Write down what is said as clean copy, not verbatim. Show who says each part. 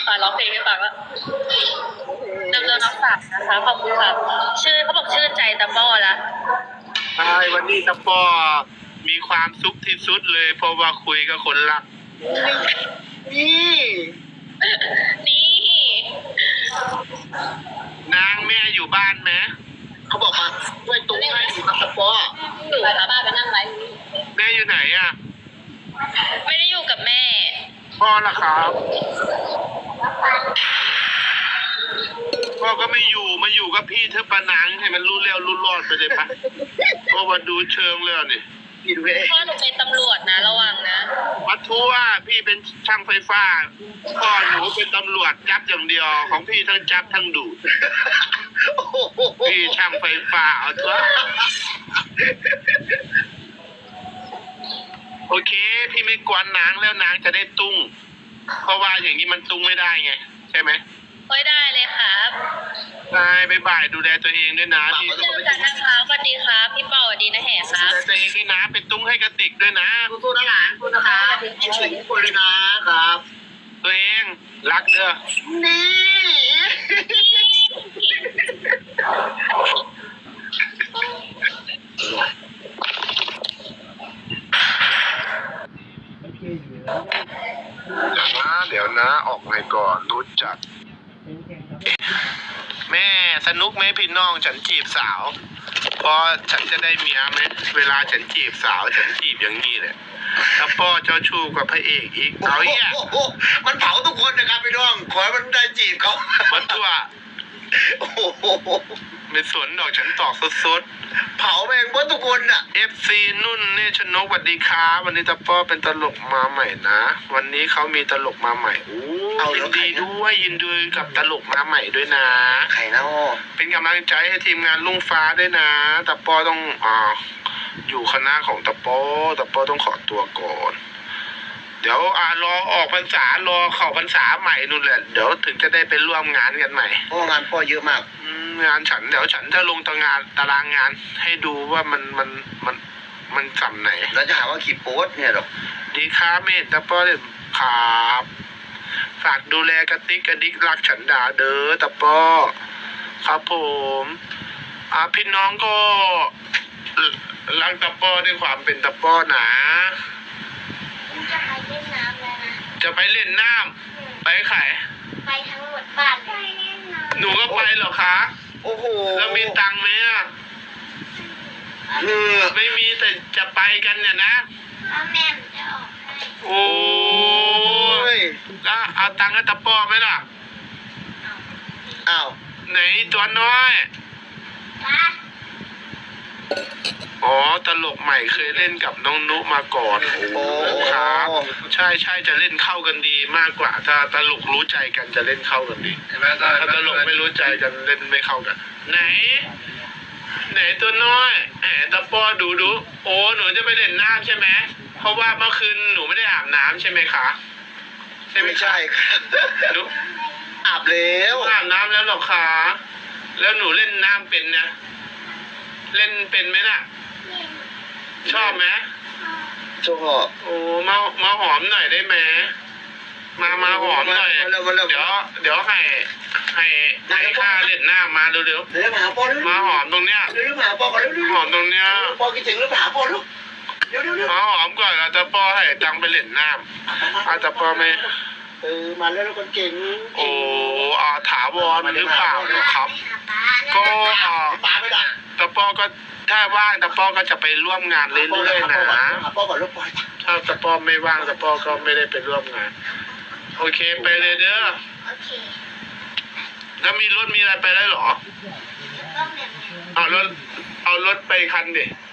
Speaker 1: ค่ะร้องเพลงให้ฟังแล้วเริ่มน้องฝากนะคะขอบคุณค่ะชื่อเขาบอกชื่อใจตะป้อละ
Speaker 2: ใช่วันนี้ตะป้อมีความสุขที่สุดเลยเพราะว่าคุยกับคนรักนี่
Speaker 1: นี่
Speaker 2: นางแม่อยู่บ้านไหมเขาบอกมาช่วยตุ้งให้อยู่กับตะป้อ
Speaker 1: อยู่กับป้าไปนั่งไลฟ์
Speaker 2: แม่อยู่ไหนอ่ะ
Speaker 1: ไม่ได้อยู่กับแม่
Speaker 2: พ่อล่ะครับพ่อก็ไม่อยู่มาอยู่กับพี่เธอปะนังให้มันรู้แล้วรู้รอดไปเลยปะเพราะว่าดูเชิงเลยนี่
Speaker 1: พ่อหนูเป็นตำรวจนะระวังนะ
Speaker 2: วัดทั่วพี่เป็นช่างไฟฟ้าพ่อหนูเป็นตำรวจจับอย่างเดียวของพี่ทั้งจับทั้งดูดพี่ช่างไฟฟ้าเอาเถอะโอเคพี่ไม่กวนนางแล้วนางจะได้ตุ้งเพราะว่าอย่างนี้มันตุ้งไม่ได้ไงใช่ไหม
Speaker 1: ไม่ได้เลยครับ
Speaker 2: ได้บ่ายดูแลตัวเองด้วยนะ
Speaker 1: พี่เจอกันนะคะสวัสดีครับพี่เปาสวัสดีนะแห่ครับ
Speaker 2: ดูแลตัวเองด้วยนะเป็นตุ้งให้กระติกด้วยนะ
Speaker 3: สู้นะหลานสู้นะคะคิดถึงคนเลยนะครับ
Speaker 2: ตัวเองรักเด้อ
Speaker 3: นี่
Speaker 2: เดี๋ยวนะออกไงก่อนรู้จักแม่สนุกไหมพี่น้องฉันจีบสาวพอฉันจะได้เมียไหมเวลาฉันจีบสาวฉันจีบอย่างนี้เลยถ้าพ่อเจ้าชู้กับพระเอกอีกเอาอีก
Speaker 3: มันเผาทุกคนนะครับพี่น้องขอให้มันได้จีบเขา
Speaker 2: มันตัวไม่สนดอกฉันตอกสด
Speaker 3: ๆเผาแม่งหมดทุกคนอ่ะ
Speaker 2: FC นุ่นนี่ชนกสวัสดีครับวันนี้ตาป้อเป็นตลกมาใหม่นะวันนี้เขามีตลกมาใหม่ยินดีด้วยยินดีกับตลกมาใหม่ด้วยนะ
Speaker 3: ใครนะ
Speaker 2: เป็นกำลังใจให้ทีมงานลุงฟ้าด้วยนะตาป้อต้องอยู่คณะของตาป้อต้องขอตัวก่อนเดี๋ยวรอออกพรรษารอเข้าพรรษาใหม่นู่นแหละเดี๋ยวถึงจะได้ไปร่วมงานกันใหม่
Speaker 3: งานพ่อเยอะมาก
Speaker 2: งานฉันเดี๋ยวฉันจะลงตารางงานให้ดูว่ามันสำไหน
Speaker 3: แล้วจะหาว่าขีดโป๊ดเนี่ยหรอ
Speaker 2: ดีครับเมธตะป้อครับฝากดูแลกระติกกระดิกรักฉันดาเด้อตะป้อครับผมพี่น้องก็รักตะป้อด้วยความเป็นตะป้อนะ
Speaker 4: จะไปเล่นน้ำแล้วนะ
Speaker 2: จะไปเล่นน้ำไปไข่
Speaker 4: ไปทั้งหมดบ้านไปเล่นน้ำ
Speaker 2: หนูก็ไปเหรอคะ
Speaker 3: โอ้โห
Speaker 2: แล้วมีตังค์ไหมอ่ะไม่มีแต่จะไปกันเนี่ยนะ
Speaker 4: แล้วแม่จะออกให้
Speaker 2: โอ้ยแล้วเอาตังค์ให้ตะป้อไหมล่ะ
Speaker 3: อ้าว
Speaker 2: ไหนตัวน้อยอ๋อตลกใหม่เคยเล่นกับน้องนุมาก่อนโอ้ครับใช่จะเล่นเข้ากันดีมากกว่าถ้าตลกรู้ใจกันจะเล่นเข้ากันดีถ้าตลกไม่รู้ใจกันเล่นไม่เข้ากันไหนตัวน้อยตะป้อดูโอ้หนูจะไปเล่นน้ำใช่ไหมเพราะว่าเมื่อคืนหนูไม่ได้อาบน้ำใช่ไหมคะ
Speaker 3: ใช่ไม่ใช่ครับ
Speaker 2: หนู
Speaker 3: อาบแล้ว
Speaker 2: อาบน้ำแล้วหรอคะแล้วหนูเล่นน้ำเป็นนะเล่นเป็นไหมน่ะชอบไหม
Speaker 3: ชอบ
Speaker 2: โอ้มาหอมหน่อยได้ไหมมาหอมหน่อยเดี๋ยวให้ข้าเล่นหน้ามาเร็วมาหอมตรงเนี้ยหอมตรงเนี้ย
Speaker 3: ปอคิดถึงหรือเปล่าปอลูก
Speaker 2: มาหอมก่อนเราจะปอให้ตังไปเล่นน้ำอาจจะปอไม่
Speaker 3: มาแล้วคนเก่ง
Speaker 2: โอ้ถาวรหรือเปล่าครับก็
Speaker 3: ป้าไม่ได้
Speaker 2: ตะปอก็ถ้าว่างตะปอก็จะไปร่วมงานเรื่อยๆนะถ้าตะปอไม่ว่างตะปอก็ไม่ได้ไปร่วมงานโอเคไปเลยเด้อแล้วมีรถมีอะไรไปได้หรอเอารถไปคันดิ